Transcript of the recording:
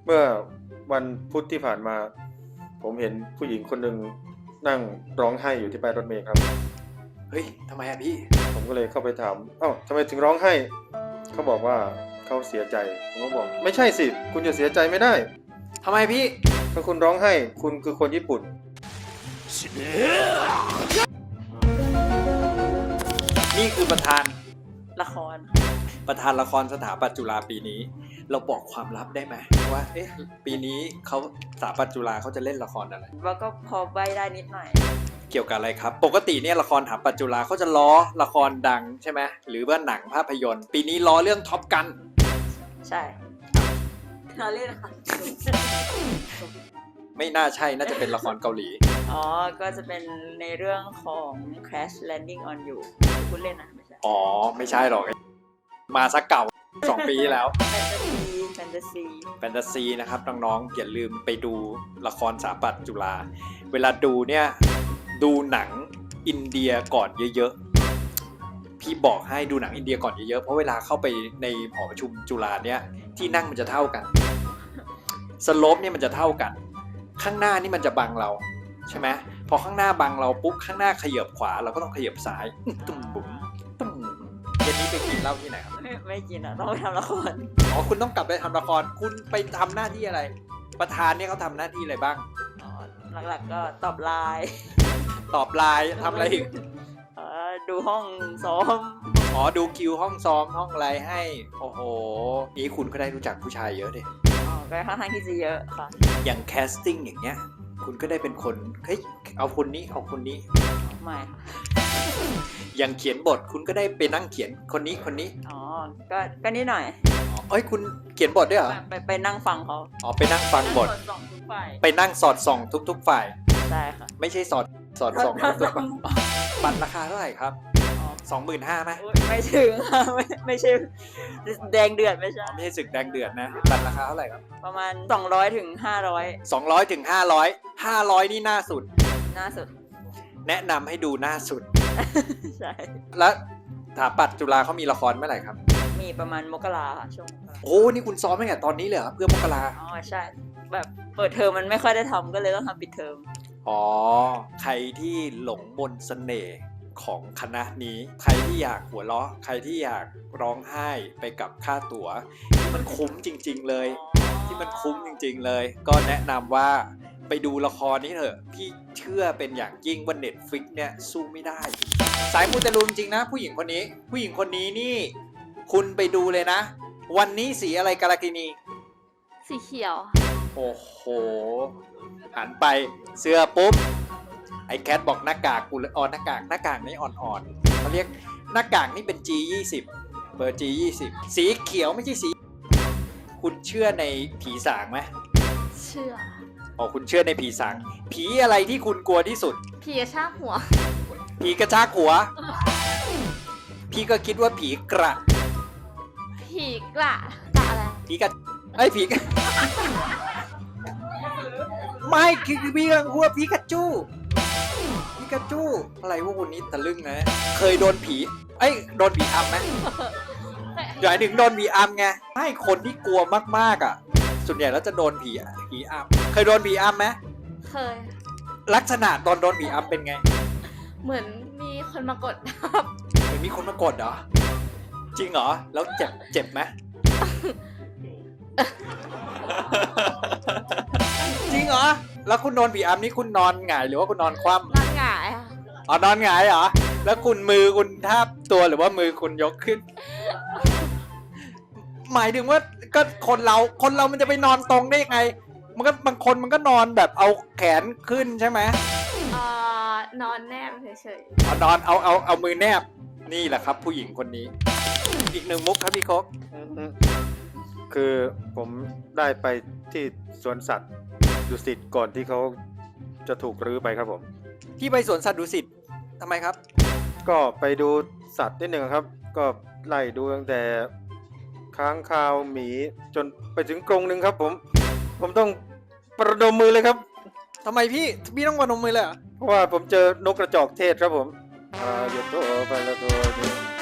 เมื่อวันพุธที่ผ่านมา ผมเห็นผู้หญิงคนหนึ่งนั่งร้องไห้อยู่ที่ป้ายรถเมล์ครับเฮ้ยทำไมอะพี่ผมก็เลยเข้าไปถามเอ้าทำไมถึงร้องไห้เขาบอกว่าเขาเสียใจผมก็บอกไม่ใช่สิคุณจะเสียใจไม่ได้ทำไมพี่ถ้าคุณร้องไห้คุณคือคนญี่ปุ่นนี่คือประธานละครประธานละครสถาปัตย์จุฬาปีนี้ เราบอกความลับได้ไหมว่าเอ๊ะปีนี้เขาสถาปัตย์จุฬาเขาจะเล่นละครอะไรแล้วก็พอใบได้นิดหน่อยเกี่ยวกับอะไรครับ ปกติเนี่ยละครสถาปัตย์จุฬาเขาจะล้อละครดังใช่ไหมหรือว่าหนังภาพยนตร์ ปีนี้ล้อเรื่องท็อปกันใช่เราเล่นค่ะไม่น่าใช่น่าจะเป็นละครเกาหลีอ๋อ ก็จะเป็นในเรื่องของ Crash Landing on You คุณเล่นนะไม่ใช่อ๋อไม่ใช่หรอกมาสักเก่า 2 ปีที่แล้วแฟนตาซีแฟนตาซีนะครับน้องๆอย่าลืมไปดูละครสถาปัตย์จุฬาเวลาดูเนี่ยดูหนังอินเดียก่อนเยอะๆพี่บอกให้ดูหนังอินเดียก่อนเยอะๆเพราะเวลาเข้าไปในหอประชุมจุฬาเนี่ยที่นั่งมันจะเท่ากันสโลปเนี่ยมันจะเท่ากันข้างหน้านี่มันจะบังเราใช่ไหมพอข้างหน้าบังเราปุ๊บข้างหน้าขยับขวาเราก็ต้องขยับซ้ายตุ้มบุ๋มตุ้มเย็นนี้ไปกินเหล้าที่ไหนครับไม่กินอ่ะ ต้องไปทำละครอ๋อคุณต้องกลับไปทำละครคุณไปทำหน้าที่อะไร ประธานเนี่ยเขาทำหน้าที่อะไรบ้างอ๋อ หลักๆก็ตอบไลน์ตอบไลน์ทำอะไรอีกดูห้องซ้อมอ๋อดูคิวห้องซ้อมห้องอะไรให้โอ้โหนี่คุณก็ได้รู้จักผู้ชายเยอะดิอ๋อ ก็ค่อนข้างที่จะเยอะค่ะอย่างแคสติ้งอย่างเงี้ยคุณก็ได้เป็นคนเฮ้ยเอาคนนี้เอาคนนี้ไม่ค่ะอย่างเขียนบทคุณก็ได้ไปนั่งเขียนคนนี้คนนี้อ๋อ ก็นิดหน่อยอ๋อเอ้ยคุณเขียนบทด้วยเหรอไปนั่งฟังเขาอ๋อไปนั่งฟังบทสองทุกฝ่ายไปนั่งสอดส่องทุกๆฝ่ายใช่ค่ะไม่ใช่สอดส่องทุกๆฝ่ายบัตรราคาเท่าไหร่ครับ 25,000ไหมอุ๊ยไม่ถึงค่ะ ไม่ใช่แดงเดือดไม่ใช่ไม่ใช่ศึกแดงเดือดนะบัตรราคาเท่าไหร่ครับประมาณ200 ถึง 200 ถึง 500 500 นี่หน้าสุด 500หน้าสุดแนะนำให้ดูหน้าสุดใช่แล้วสถาปัตย์จุฬาเขามีละครเมื่อไหร่ครับมีประมาณมกราค่ะช่วงมกราโอ้นี่คุณซ้อมตั้งแต่ตอนนี้เลยเหรอเพื่อมกราอ๋อใช่ แบบเปิดเทอมมันไม่ค่อยได้ทำก็เลยต้องทำปิดเทอมอ๋อ ใครที่หลงมนต์เสน่ห์ของคณะนี้ ใครที่อยากหัวเราะ ใครที่อยากร้องไห้ไปกับค่าตั๋วที่มันคุ้มจริงๆเลย ที่มันคุ้มจริงๆเลย ก็แนะนำว่าไปดูละครนี้เถอะ พี่เชื่อเป็นอย่างยิ่งว่า Netflix เนี่ยสู้ไม่ได้ สายมูเตลูจริงๆนะผู้หญิงคนนี้ ผู้หญิงคนนี้นี่ คุณไปดูเลยนะ วันนี้สีอะไรกาลากินีสีเขียวโอ้โห หันไปเสื้อปุ๊บ ไอ้แคทบอกหน้ากากกูเลยหน้ากากนี่อ่อนๆเขาเรียกหน้ากากนี่เป็น G20 เบอร์ G20 สีเขียวไม่ใช่สี คุณเชื่อในผีสางไหมเชื่ออ๋อคุณเชื่อในผีสาง ผีอะไรที่คุณกลัวที่สุดผีกระชากหัวผีกระชากหัว พี่ก็คิดว่าผีกระผีกระอะไรผีกระไอ้ยผีกระ ไม่คือพี่กังหัวผีกระจู้ผีกระจู้อะไรพวกคนนี้ตะลึงนะ เคยโดนผีโดนผีอำไหมหมายถึงโดนผีอำไงให้คนที่กลัวมากๆอ่ะ ส่วนใหญ่แล้วจะโดนผีอำเคยโดนผีอำไหมเคยลักษณะตอนโดนผีอำเป็นไงเหมือนมีคนมากดทับเหมือนมีคนมากดเหรอจริงเหรอแล้วเจ็บไหม จริงเหรอแล้วคุณโดนผีอำนี่คุณนอนหงายหรือว่าคุณนอนคว่ำนอนหงายค่ะอ๋อนอนหงายเหรอ แล้วคุณมือคุณทาบตัวหรือว่ามือคุณยกขึ้น หมายถึงว่าก็คนเรามันจะไปนอนตรงได้ยังไง มันก็บางคนมันก็นอนแบบเอาแขนขึ้นใช่ไหมนอนแนบเฉยเอานอนเอามือแนบ นี่แหละครับ ผู้หญิงคนนี้ อีกหนึ่งมุกครับพี่โคกคือผมได้ไปที่สวนสัตว์ดุสิตก่อนที่เขาจะถูกรื้อไปครับผมพี่ไปสวนสัตว์ดุสิตทำไมครับก็ไปดูสัตว์นิดหนึ่งครับ ก็ไล่ดูตั้งแต่ค้างคาวหมีจนไปถึงกรงหนึ่งครับผมต้องประดมมือเลยครับทำไมพี่ต้องมาดมมือเลยเหรอเพราะว่าผมเจอนกกระจอกเทศครับผมหยุดโตไปแล้วตัว